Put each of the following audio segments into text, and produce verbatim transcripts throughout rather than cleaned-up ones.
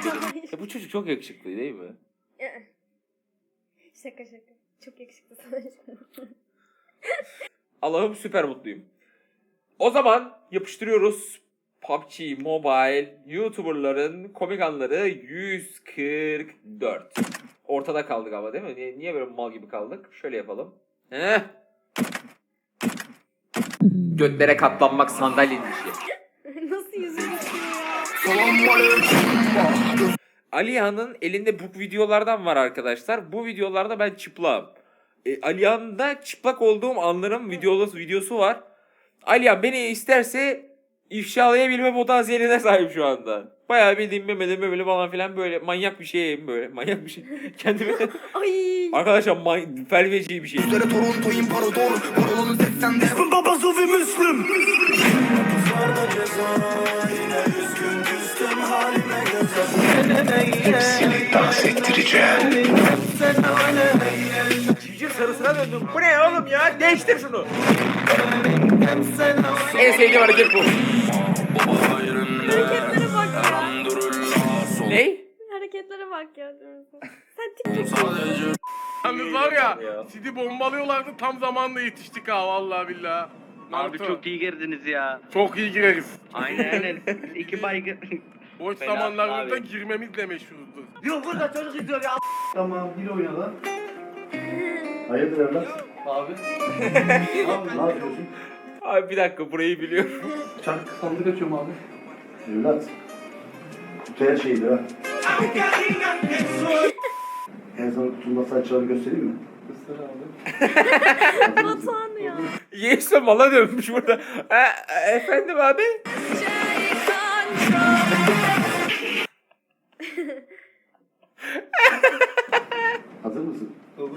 Ya bu çocuk çok yakışıklı değil mi? Şaka şaka. Çok yakışıklı sana. Allah'ım süper mutluyum. O zaman yapıştırıyoruz. P U B G Mobile YouTuber'ların komik anları yüz kırk dört. Ortada kaldık ama değil mi? Niye, niye böyle mal gibi kaldık? Şöyle yapalım. Heh. Götlere katlanmak sandalyenin işi. Nasıl yüzüm ya? Alihan'ın elinde bu videolardan var arkadaşlar. Bu videolarda ben çıplağım. E, Alihan'da çıplak olduğum anların videosu, videosu var. Alihan beni isterse ifşalayabilme potansiyeline sahip şu anda. Bayağı bildiğim memeleme böyle falan filan böyle manyak bir şeyim böyle. Manyak bir şey. Kendime... Ay. Arkadaşlar man... felveci bir şey. Üzere Toronto imparator, Marolon'un seksende babası ve Müslüm. Hepsini dans ettireceğim. Civciv sarısına döndüm. Bu ne oğlum ya? Değiştir şunu. En sevdiğim hareket bu. Hareketlere bak ya. Ney? Hareketlere bak ya. Sen TikTok. Yalnız var ya, sizi bombalıyorlardı tam zamanında yetiştik ha vallahi billahi. Abi çok iyi girdiniz ya. Çok iyi gireriz. Aynen aynen. İki baygın. Boş Fena zamanlarımızda abi. girmemizle meşhurdur. Yok burada çocuk izliyor ya. Tamam bir oyna lan. Hayırdır evlat? Abi. Abi ne yapıyorsun? Abi bir dakika burayı biliyorum. Çark sandık açıyorum abi. Evlat. Güzel şeydir ha. En sana kutunun nasıl açacağını göstereyim mi? Göster abi. Batuhan ya. Yeğse mala dönmüş burada. E, e, efendim abi? Hazır mısın? Olur.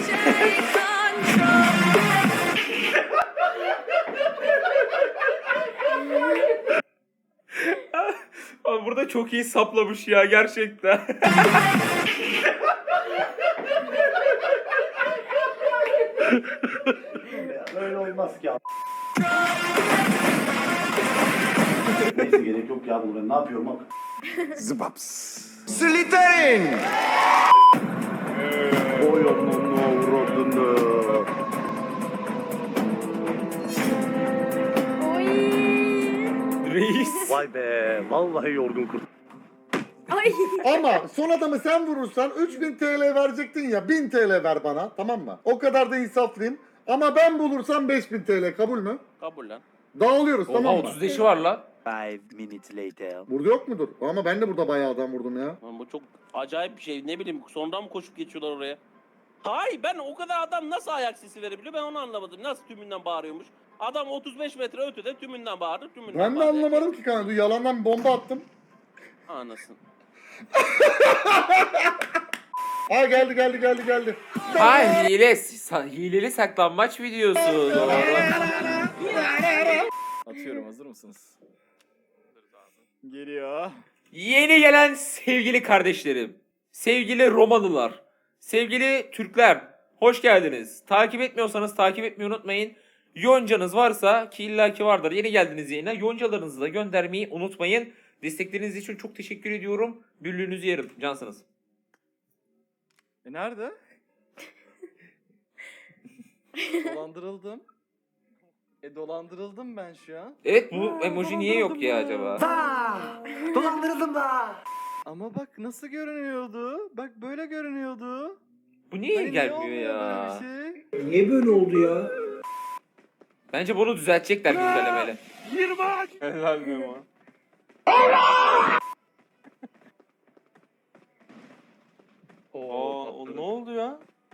Abi burada çok iyi saplamış ya gerçekten. Böyle olmaz ki abi. Neyse gerek yok ya bunu ben ne yapıyorum bak. Zıbaps. Slytherin. Oy onun avradını. Oy. Reis. Vay be vallahi yorgun kurt. Ay. Ama son adamı sen vurursan üç bin T L verecektin ya, bin T L ver bana, tamam mı? O kadar da insaflıyım. Ama ben bulursam beş bin T L kabul mü? Kabul lan. Dağılıyoruz, Oha tamam mı? otuz beşi var lan. Five minutes later. Burada yok mudur? Ama ben de burada bayağı adam vurdum ya. Lan bu çok acayip bir şey. Ne bileyim sonradan mı koşup geçiyorlar oraya? Hayır ben o kadar adam nasıl ayak sesi verebiliyor ben onu anlamadım. Nasıl tümünden bağırıyormuş? Adam otuz beş metre ötede tümünden bağırır tümünden Ben de bağırır. anlamadım ki kanka. Yalandan bir bomba attım. Anasın. Aa geldi geldi geldi geldi. Ha hile. sa- Hileli saklanmaç videosu. Doğru. Atıyorum, hazır mısınız? Geliyor. Yeni gelen sevgili kardeşlerim. Sevgili Romalılar. Sevgili Türkler. Hoş geldiniz. Takip etmiyorsanız takip etmeyi unutmayın. Yoncanız varsa ki illaki vardır. Yeni geldiniz yayına. Yoncalarınızı da göndermeyi unutmayın. Destekleriniz için çok teşekkür ediyorum. Büllüğünüzü yerim. Cansınız. E nerede? Dolandırıldım. E dolandırıldım ben şu an. Evet bu emoji niye yok ya acaba? Dolandırıldım da. Ama bak nasıl görünüyordu? Bak böyle görünüyordu. Bu niye Hani gelmiyor olmuyor ya? böyle bir şey? Niye böyle oldu ya? Bence bunu düzeltecekler güncellemeyle. Helal be ama. Oo, ne oldu ya?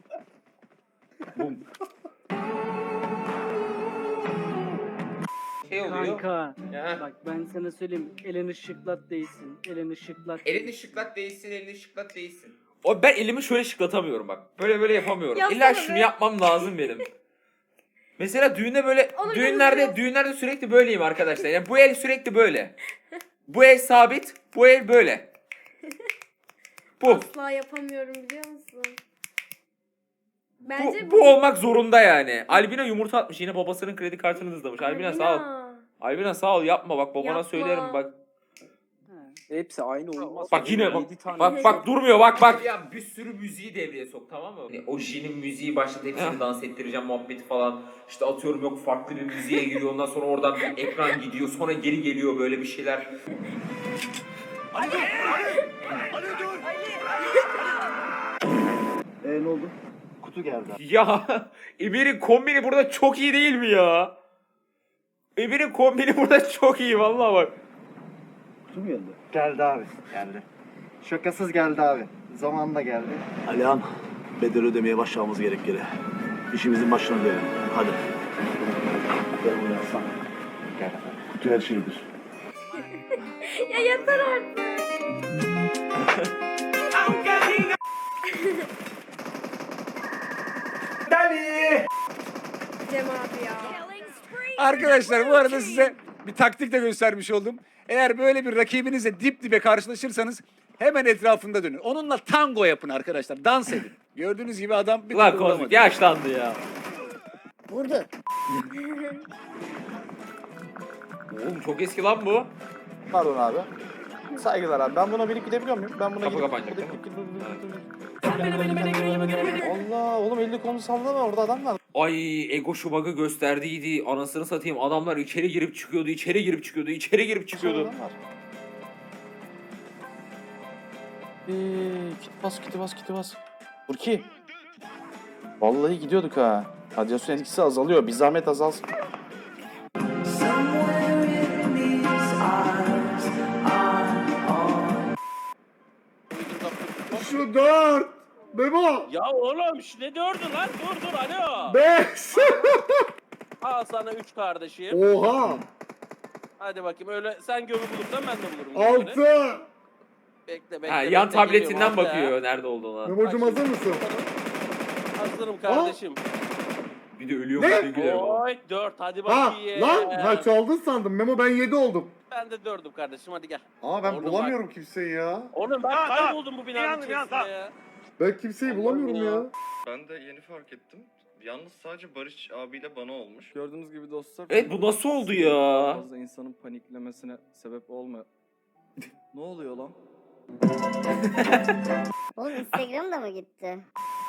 Şey oluyor. Kanka Ya. bak ben sana söyleyeyim elini şıklat değilsin elini şıklat Elini şıklat değilsin, elini şıklat değilsin. O ben elimi şöyle şıklatamıyorum bak. Böyle böyle yapamıyorum. Yapsana İlla be. şunu yapmam lazım benim. Mesela düğünde böyle Onu düğünlerde gösteriyor. düğünlerde sürekli böyleyim arkadaşlar. Yani bu el sürekli böyle. Bu el sabit, bu el böyle. Bu. Asla yapamıyorum biliyor musun? Bu, Bence bu olmak zorunda yani. Albina yumurta atmış yine babasının kredi kartını hızlamış. Albina sağ ol. Albina sağ ol yapma bak babana Yapma. söylerim bak. Ha. Hepsi aynı olmaz. Bak yine bak, Yedi tane. bak bak durmuyor bak bak. Ya bir sürü müziği devreye sok, tamam mı? O Jin'in müziği başladı, hepsini dans ettireceğim muhabbeti falan. İşte atıyorum yok farklı bir müziğe giriyor, ondan sonra oradan bir ekran gidiyor, sonra geri geliyor böyle bir şeyler. Eee ne oldu? Kutu geldi. Ya Emir'in kombini burada çok iyi değil mi ya? Emir'in kombini burada çok iyi vallahi bak. Kutu mu geldi? Geldi abi. Geldi. Şakasız geldi abi. Zamanında geldi. Alihan, bedel ödemeye başlamamız gerek geri. İşimizin başına dönelim. Hadi. Gel buraya aslan. Gel. Kutu her şeydir. Ya yeter artık. Cem abi ya. Arkadaşlar bu arada size bir taktik de göstermiş oldum. Eğer böyle bir rakibinizle dip dibe karşılaşırsanız hemen etrafında dönün. Onunla tango yapın arkadaşlar. Dans edin. Gördüğünüz gibi adam bir Ulan türlü Kozmik vuramadı. yaşlandı ya. Vurdu. Oğlum çok eski lan bu. Pardon abi. Saygılar abi. Ben buna binip gidebiliyor muyum? Ben buna Kapı gidip- kapanacak, gidip- değil mi? gidip- Allah oğlum elli kolunu sallama orada adam var. Ay Ego şu bug'ı gösterdiydi. Anasını satayım, adamlar içeri girip çıkıyordu, içeri girip çıkıyordu, içeri girip çıkıyordu. Adam var. Eee, kit bas kiti bas kiti bas. Burki. Vallahi gidiyorduk ha. Radyasyon etkisi azalıyor. Bir zahmet azalsın. Şu dört. Memo. Ya oğlum şu ne dördü lan? Dur dur alo. Beş. Al sana üç kardeşim. Oha. Hadi bakayım öyle sen gömü bulursan ben de bulurum. gömünü. Altı. Bekle bekle. Ha, bekle, yan tabletinden geliyorum, altı. bakıyor nerede olduğuna. Memo'cum Bak hazır şimdi. mısın? Hazırım kardeşim. Bir de ölüyor Ne? mu güler bana. Oy dört hadi Ha bakayım. lan ha çaldın sandım. Memo ben yedi oldum. Ben de dördüm kardeşim hadi gel. Aa ben Oğlum bulamıyorum kimseyi ya. Oğlum ben kayboldum bu binanın Yandım, içerisinde yandım. ya. Ben kimseyi bulamıyorum ya. Ben de yeni fark ettim. Yalnız sadece Barış abiyle bana olmuş. Gördüğünüz gibi dostlar. Evet bu nasıl oldu ya? Fazla insanın paniklemesine sebep olma. Ne oluyor lan? Oğlum Instagram da mı gitti?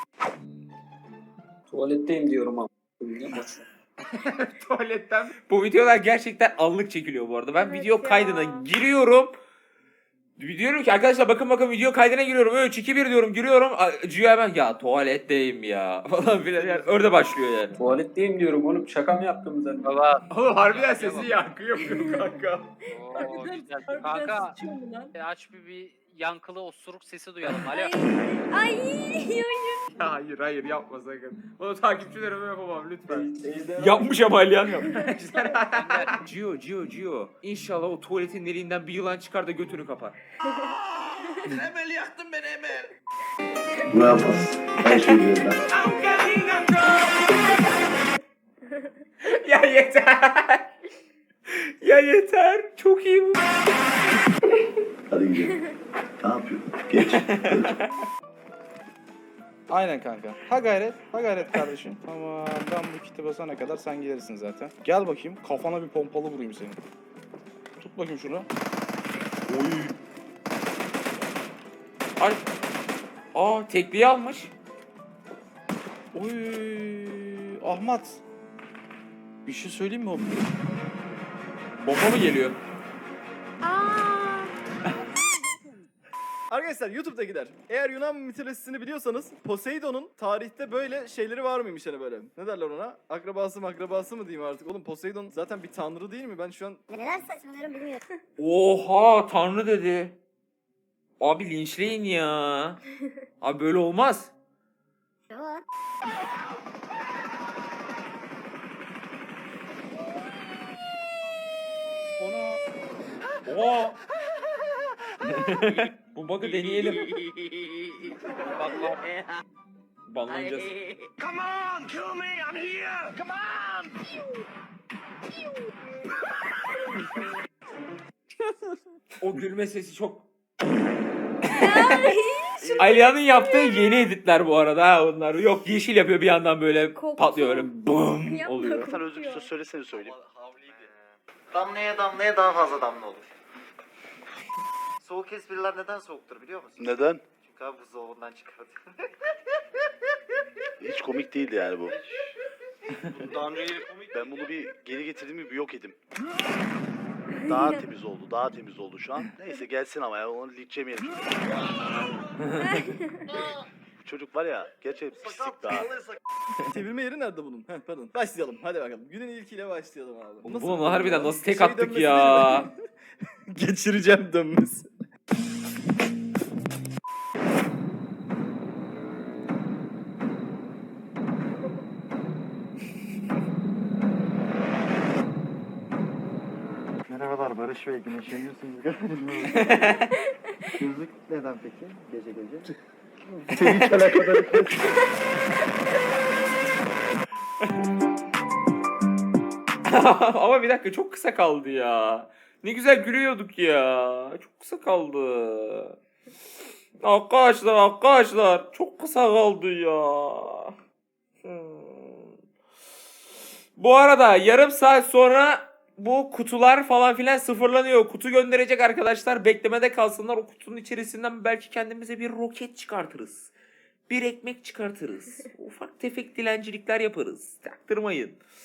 Tuvaletteyim diyorum abi. Tuvaletten. Bu videolar gerçekten anlık çekiliyor bu arada. Ben Evet video ya. kaydına giriyorum. Diyorum ki arkadaşlar bakın bakın video kaydına giriyorum. üç iki bir diyorum giriyorum. Cüya hemen ya tuvaletteyim ya falan filan. Yani öyle başlıyor yani. Tuvaletteyim diyorum oğlum. Şaka mı yaptım zaten? Baba. Oğlum harbiden sesi yankı yapıyor kanka. Kanka. Aç bir, bir yankılı osuruk sesi duyalım. Alo. Ay. Ay. Ya hayır hayır yapma sakın. Bunu takipçilerime yapamam lütfen. Yapmış ama Alihan yapmış. Gio Gio Gio. İnşallah o tuvaletin deliğinden bir yılan çıkar da götünü kapar. Emel yaktın beni Emel. Ne yapmaz? Her şeyi biliyorum ben. Ya yeter. Ya yeter. Çok iyi bu. Hadi gidelim. Ne yapıyorsun? Geç. Geç. Aynen kanka. Ha gayret, ha gayret kardeşim. Tamam, ben bu kiti basana kadar sen gelirsin zaten. Gel bakayım, kafana bir pompalı vurayım senin. Tut bakayım şunu. Oy. Ay. Aa tekliği almış. Oy, Ahmet. Bir şey söyleyeyim mi oğlum? Bomba mı geliyor? Aa. Arkadaşlar YouTube'dakiler, eğer Yunan mitolojisini biliyorsanız Poseidon'un tarihte böyle şeyleri var mıymış hani böyle? Ne derler ona? Akrabası mı akrabası mı diyeyim artık? Oğlum Poseidon zaten bir tanrı değil mi? Ben şu an... Neler saçmalıyorum bilmiyorum. Oha tanrı dedi. Abi linçleyin ya. Abi böyle olmaz. Yok. Ona. Oha. Bu bug'ı deneyelim. Banlanacağız. Come on, kill me, I'm here. Come on. O gülme sesi çok... Alihan'ın yaptığı yeni editler bu arada ha onlar. Yok yeşil yapıyor bir yandan böyle Koktu. patlıyor öyle bum Yapma, oluyor. kokuyor. Özür söylesene söyleyeyim. Damlaya damlaya daha fazla damla olur. Soğuk espriler neden soğuktur biliyor musun? Neden? Çünkü abi buzdolabından çıkartıyor. Hiç komik değildi yani bu. Daha önce yine komik. Ben bunu bir geri getirdim bir yok edim. Daha temiz oldu, daha temiz oldu şu an. Neyse gelsin ama ya onu linç yemeyelim. Bu çocuk var ya gerçekten pislik daha. Çevirme yeri nerede bunun? Heh, pardon. Başlayalım. Hadi bakalım. Günün ilkiyle başlayalım abi. Nasıl Bunu bir harbiden dönme nasıl var? tek Şey attık dönmesi ya. değil mi? Geçireceğim dönmesi. Merhabalar Barış Bey, güneşleniyorsunuz galiba. Gözlük neden peki? Gece gece. Seni hiç alakadar etmez. Ama bir dakika çok kısa kaldı ya. Ne güzel gülüyorduk ya. Çok kısa kaldı. Arkadaşlar arkadaşlar çok kısa kaldı ya. Hmm. Bu arada yarım saat sonra bu kutular falan filan sıfırlanıyor. Kutu gönderecek arkadaşlar. Beklemede kalsınlar. O kutunun içerisinden belki kendimize bir roket çıkartırız. Bir ekmek çıkartırız. Ufak tefek dilencilikler yaparız. Taktırmayın.